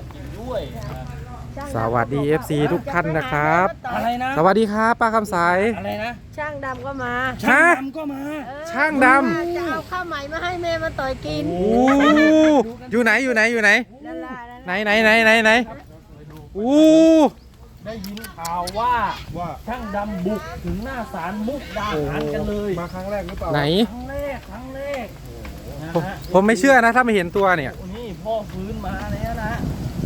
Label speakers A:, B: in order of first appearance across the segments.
A: กินด้วย
B: สวัสดี FC ทุกท่านนะครับ
A: อะไรนะ
B: สวัสดีครับป้าคำสาย
A: อะไรนะ
C: ช่างดำก็มา
A: ช่างดำก็มา
B: ช่างดำ
C: จะเอาข้าวใหม่มาให้แม่มาต่อยกิน
B: โอ้อยู่ไหนไหนโอ้
A: ได้ยินข่าวว่าช่างดำบุกถึงหน้าศาลมุกดาหารกันเลย
D: มาครั้งแรกหรือเปล่า
B: ไหน
A: ครั้งแรก
B: ผมไม่เชื่อนะถ้าไม่เห็นตัวเนี่ย
A: นี่พ่อฟื้นมาแล้วนะ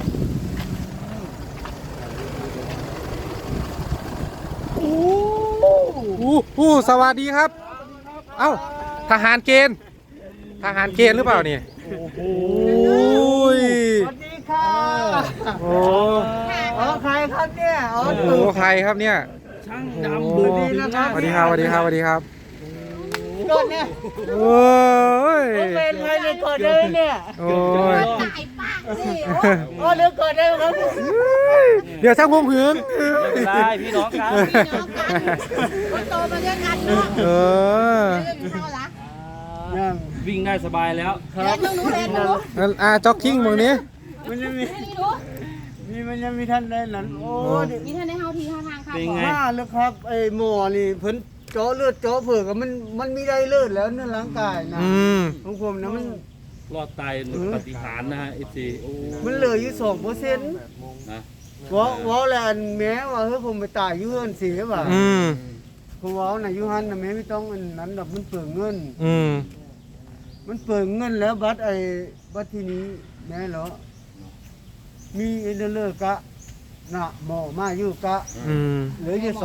B: โอ้สวัสดีครับเอ้าทหารเกณฑ์หรือเปล่านี่
A: โอ้โห
C: สวัสดีค่ะ
B: โอ้
C: ใครครับเนี่ย
B: ใครครับเนี่ย
A: ช่างดำบุกถึงหน้า
B: สวัสดีครับ
C: กดเนี่ย
B: โอ้ย
C: เป็นใครในกดเลยเนี่ย
B: โอ้ย
C: ตายปากสิโอ้เดี๋ยวกดได้ครับ
B: เดี๋ยวช่างพงผืน
A: ไม่เป็นไรพี่น้องกัน
C: คนโตมาด้วยกันเนาะ
A: วิ่งได้สบายแล้ว
C: ครับเล่นหนู
B: จ็อกกิ้งมึงนี้
D: มันยังมีท่านได้นั้นโอ้
C: มีท่านได้เฮาทีท่าทางครับ
D: ว่าแล้วครับไอ้หมอนี่เพิ่นเจาะเลือดเจาะเผือกมันมีได้เลือดแล้วในร่างกายนะของผมนะมัน
A: รอดตายปฏิหารนะฮะเอฟซี
D: มันเหลืออยู่ 2%นะว่าแล้วอันแม้ว่าเฮ้ยผมไปตายอยู่เฮือนสิว่าผมว่าน่ะอยู่หั่นน่ะแม้ไม่ต้องอันนั้นดอกมันเปลืองเงินมันเปลืองเงินแล้วบัดทีนี้แม่เหรอมีเอเดเลอร์กะน่ะหมอมาอยู่กะเหลืออยู่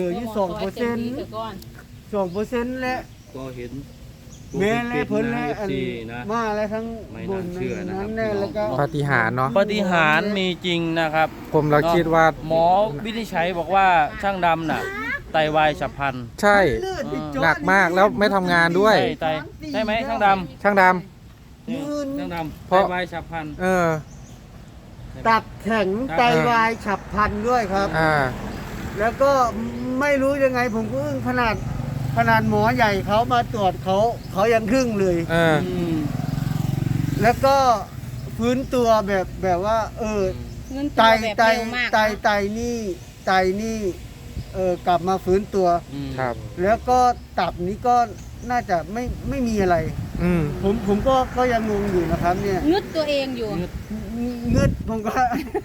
D: 2%และ
A: ก็เห็น
D: แม่และเพิ่นและอันมาแล้วทั้งบนนั้นแน่แล้วก็
B: ปาฏิหาริย์เนาะ
A: ปาฏิหาริย์มีจริงนะครับ
B: ผมเราคิดว่า
A: หมอวินิจฉัยบอกว่าช่างดำน่ะไตวายฉับพลัน
B: ใช่หนักมากแล้วไม่ทำงานด้วย
A: ใช่ไหมช่างดำ
B: ช่าง
A: ดำไตวายฉับพลัน
D: ตับแข็งไตวายฉับพลันด้วยครับแล้วก็ไม่รู้ยังไงผมก็อึ้งขนาดหมอใหญ่เขามาตรวจเขายังครึ่งเลยแล้วก็ฟื้นตัวแบบว่าไตนี่กลับมาฟื้นตัว
B: ครับ
D: แล้วก็ตับนี้ก็น่าจะไม่มีอะไรผมก็ยังงงอยู่นะครับเนี่ย
C: งึดตัวเองอยู่
D: งึดผมก็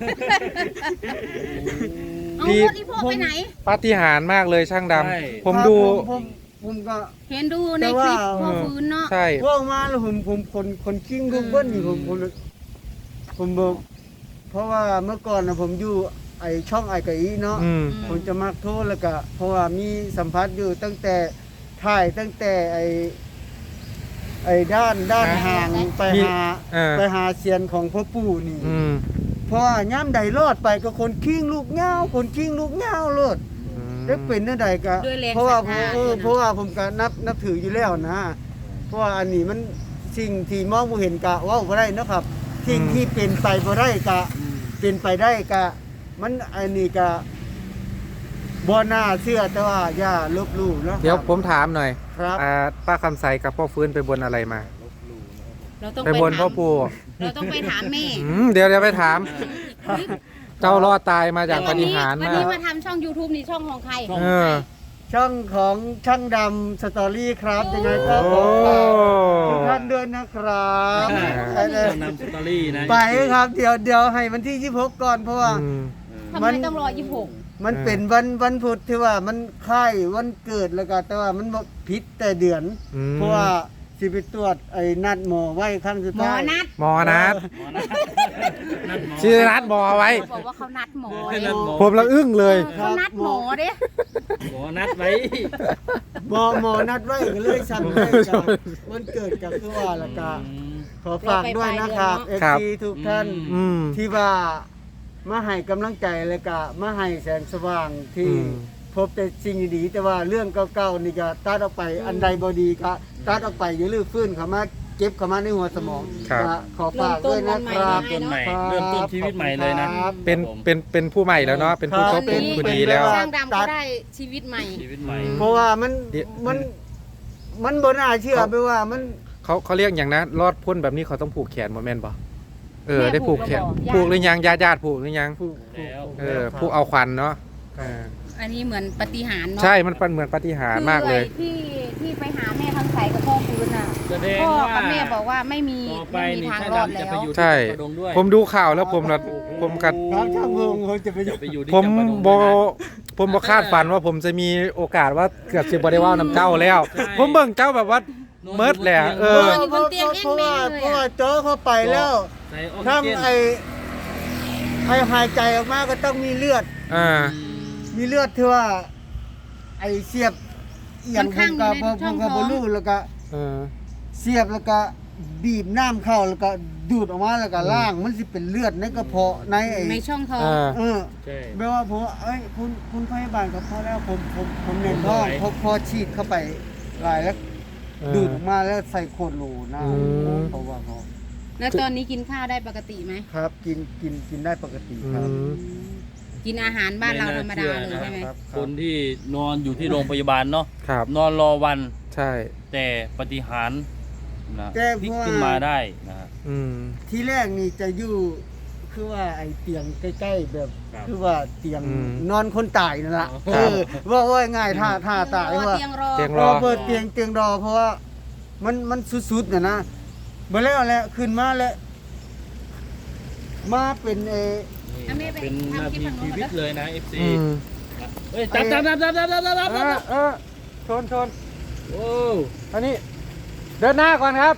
C: เอารถอีพวกไปไหน
B: ปาฏิหาริย์มากเลยช่างดำผมดู
D: ผมก็
C: เห็นดูในคลิปพอฟื้นเนาะ
B: ใช่
D: พวกมาแล้วผมคนกิ้งลูกเบิ้ลนี่ผมบอกเพราะว่าเมื่อก่อนนะผมอยู่ไอช่องไอไก่เนาะผมจะมักโทษแล้วก็เพราะว่ามีสัมผัสอยู่ตั้งแต่ไอ้ด้านห่างไปหาเสียนของพ่อปู่นี่เพราะว่าย่ำใดรอดไปก็คนกิ้งลูกเงาโลดได้เป็นนั่นใดก็เพราะว่าผมก็นับถืออยู่แล้วนะเพราะว่าอันนี้มันสิ่งที่มองบ่เห็นกะว่าบ่ได้นะครับสิ่งที่เป็นไปบ่ได้กะเป็นไปได้กะมันอันนี้กะบ่น่าเชื่อแต่ว่าอย่าลบหลู่เนาะ
B: เดี๋ยวผมถามหน่อย
D: ครับ
B: ป้าคำใสกับพ่อฟื้นไปบนอะไรมา
C: ไป
B: บนพ่อปู่
C: เราต้องไปถามแม่
B: เดี๋ยวไปถามเจ้ารอดตายมาจากปาฏิหาริย์
C: วันนี้มาทำช่อง YouTube นี่ช่องของใคร
D: ช่องของช่างดำสตอรี่ครับยังไงก็ขอฝากทุกท่านด้วยนะครับ
A: ช่างดำสตอรี่นะ
D: ไปครับเดี๋ยวให้วันที่26ก่อนเพราะว่า
C: ทำไมต้องรอ26
D: มันเป็นวันพุธที่ว่ามันค่ายวันเกิดแล้วก็แต่ว่ามันผิดแต่เดือนเพราะว่าสิไปตรวจไอ้นัดหมอไว้ครั้งสุดท้าย
B: หมอนัดชื่อนัดหมอไว้
C: บอกว่าเขานัดหมอ
B: ผมละอึ้งเลย
C: เขานัดหมอเด้
A: หมอนัดไว้
D: หมอนัดไว้ก็เลยสั่งให้กับวันเกิดกับคือว่าแล้วก็ขอฝากด้วยนะครับFC ทุกท่านที่ว่ามาให้กำลังใจเลยก็มาให้แสงสว่างที่พบแต่สิ่งดีแต่ว่าเรื่องเก่าๆนี่ก็ตัดออกไปอันใดบ่ดีก็ตัดออกไปอย่าลืมฟื้นเข้ามาเก็บเข้ามาในหัวสมองขอฝากด้วยนะครับ
A: เริ่มต้นชีวิตใหม่เลยนะ
B: เป็นผู้ใหม่แล้วเนาะเป็นผู้คบเป็นผู้ดีแล้ว
C: ช่างดำก็ได้ชีวิตใหม่
D: เพราะว่ามันบ่น่าเชื่อไปว่ามัน
B: เขาเรียกอย่างนะรอดพ้นแบบนี้เขาต้องผูกแขนบ่แม่นบ่ได้ผูกแขนผูกหรือยังญาติผูกหรือยัง
D: ผูก
B: ผูกเอาควันเนาะ
C: อันนี้เหมือนปาฏิหาริย์เนาะ
B: ใช่มันเป็นเหมือนปาฏิหาริย์มากเลย
C: คือที่ไปหาแม่ทางใสกับพ่อฟื้นน่ะ
A: แสดง
C: พ่อ
A: ว่า
C: กับแม่บอกว่าไม่มี
A: ต่อไป
C: ไม่มี
A: นี่
C: ทาง
A: ช่าง
C: รอด
A: ดำจะ
C: แล้
A: ไป
C: ว
A: อยู่
B: ใช่
A: ที่กระดงด้วย
B: ผมดูข่าวแล้วผมกัด
D: ครับช่างพงเขาจะไปอยู่
A: ไปอยู่ที่
B: ผม
A: จำปาดง
B: บ
A: ด้วยนะ
B: ผมบ่คาดฝันว่าผมจะมีโอกาสว่าเกือบสิบ่ได้เว่านำเจ้าแล้ว
A: ใช่
B: ผมเบิ่งเจ้าแบบว่าเมิดแหละ
D: เพ
C: นอนอยู่บนเตียงแห้งแม่งเลยอะ
D: เพราะว่าเจอเข้าไปแล้ว
A: ใส่ออกซิ
D: ทั้ง
A: เจน
D: ไอ้หายใจออกมาก็ต้องมีเลือด มีเลือดที่ว่า ไอ้เสียบเอียงผมก็บ่รู้แล้วก็เสียบแล้วก็บีบน้ำเข้าแล้วก็ดูดออกมาแล้วก็ล้างมันสิเป็นเลือดในกระเพาะในไอ้
C: ในช่องท้อง
A: ใช่
D: แปลว่าผมเอ้ยคุณพยาบาลก็พอแล้วผมเน้นท้องพอฉีดเข้าไปหลายแล้วดูดออกมาแล้วใส่โคตรโหลนะเพราะว่าเขา
C: แล้วตอนนี้กินข้าวได้ปกติไหม
D: ครับกินได้ปกติครับ
C: กินอาหารบ้านเราธรรมดาเลยใช่ไหม
D: ครับ
A: คนที่นอนอยู่ที่โรงพยาบาลเนาะ
B: ครับ
A: นอนรอวัน
B: ใช่
A: แต่ปฏิหารย์นะ
D: แต่
A: พลิก
D: เพราะว่า
A: ขึ้นมาได้นะฮะ
D: ที่แรกนี่จะอยู่คือว่าไอ้เตียงใกล้ๆแบบ
A: ครับ
D: คือว่าเตียง
B: อืม
D: นอนคนตายนั่นแหละ
B: ครับ
D: ว่าง่ายท่าตายว่า
C: เตียงรอ
B: เตียง
D: รอเปิดเตียงรอเพราะว่ามันสุดๆนะมาแล้วแหละขึ้นมาแล้วมาเป็น
A: เป็นนาทีชีวิตเลยนะ FC
B: อืม
A: เฮ้ยจับ
B: ชน
A: โอ้
B: อันนี้เดินหน้าก่อนครับ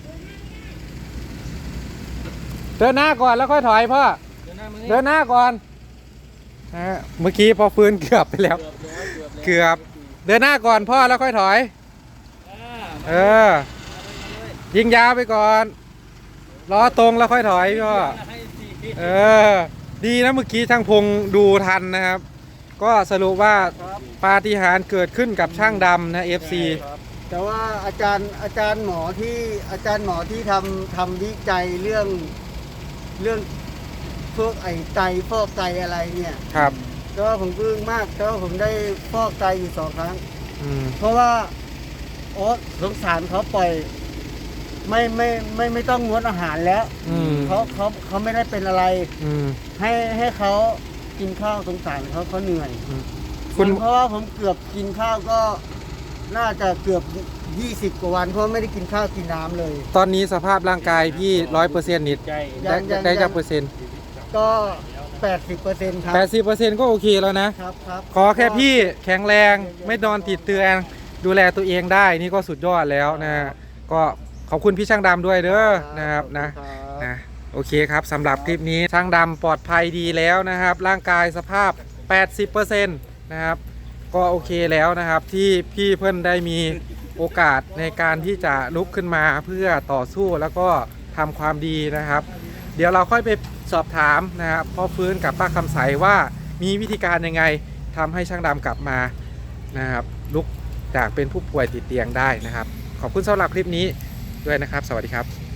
B: เดินหน้าก่อนแล้วค่อยถอยพ่อ เดินหน้าก่อนเมื่อกี้พอฟื้นเกือบไปแล้ว เกือบ เดินหน้าก่อนพ่อแล้วค่อยถอย ยิงยาวไปก่อนล้อตรงแล้วค่อยถอยพ่อดีนะเมื่อกี้ช่างพงดูทันนะครับ ก็สรุปว่าปาฏิหาริย์เกิดขึ้นกับช่างดำนะ FC
D: แต่ว่าอาจารย์หมอที่ทำวิจัยเรื่องพวกไอ้ไตฟอกไตอะไรเนี่ย
B: ครับ
D: ก็ผมปลื้มมากก็ผมได้ฟอกไตอยู่2 ครั้ง เพราะว่าสงสารเขาปล่อยไม่ต้องงดอาหารแล้วเขาไม่ได้เป็นอะไรให้เขากินข้าวสงสารเขาเหนื่อยเพราะว่าผมเกือบกินข้าวก็น่าจะเกือบ20 กว่าวันเพราะไม่ได้กินข้าวกินน้ำเลย
B: ตอนนี้สภาพร่างกายพี่ 100%นิดได้จากเปอร์เซ็นต์
D: ก็ 80%ครับ
B: 80%ก็โอเคแล้วนะ
D: ครับ
B: ขอแค่พี่แข็งแรงไม่นอนติดเตียงดูแลตัวเองได้นี่ก็สุดยอดแล้วนะก็ขอบคุณพี่ช่างดำด้วยเด้อนะครับนะโอเคครับสำหรับคลิปนี้ช่างดำปลอดภัยดีแล้วนะครับ ร่างกายสภาพ 80% นะครับก็โอเคแล้วนะครับที่พี่เพิ่นได้มีโอกาสในการที่จะลุกขึ้นมาเพื่อต่อสู้แล้วก็ทำความดีนะครับ เดี๋ยวเราค่อยไปสอบถามนะครับพ่อฟื้นกับป้าคำใสว่ามีวิธีการยังไงทำให้ช่างดำกลับมานะครับลุกจากเป็นผู้ป่วยติดเตียงได้นะครับขอบคุณสำหรับคลิปนี้ด้วยนะครับสวัสดีครับ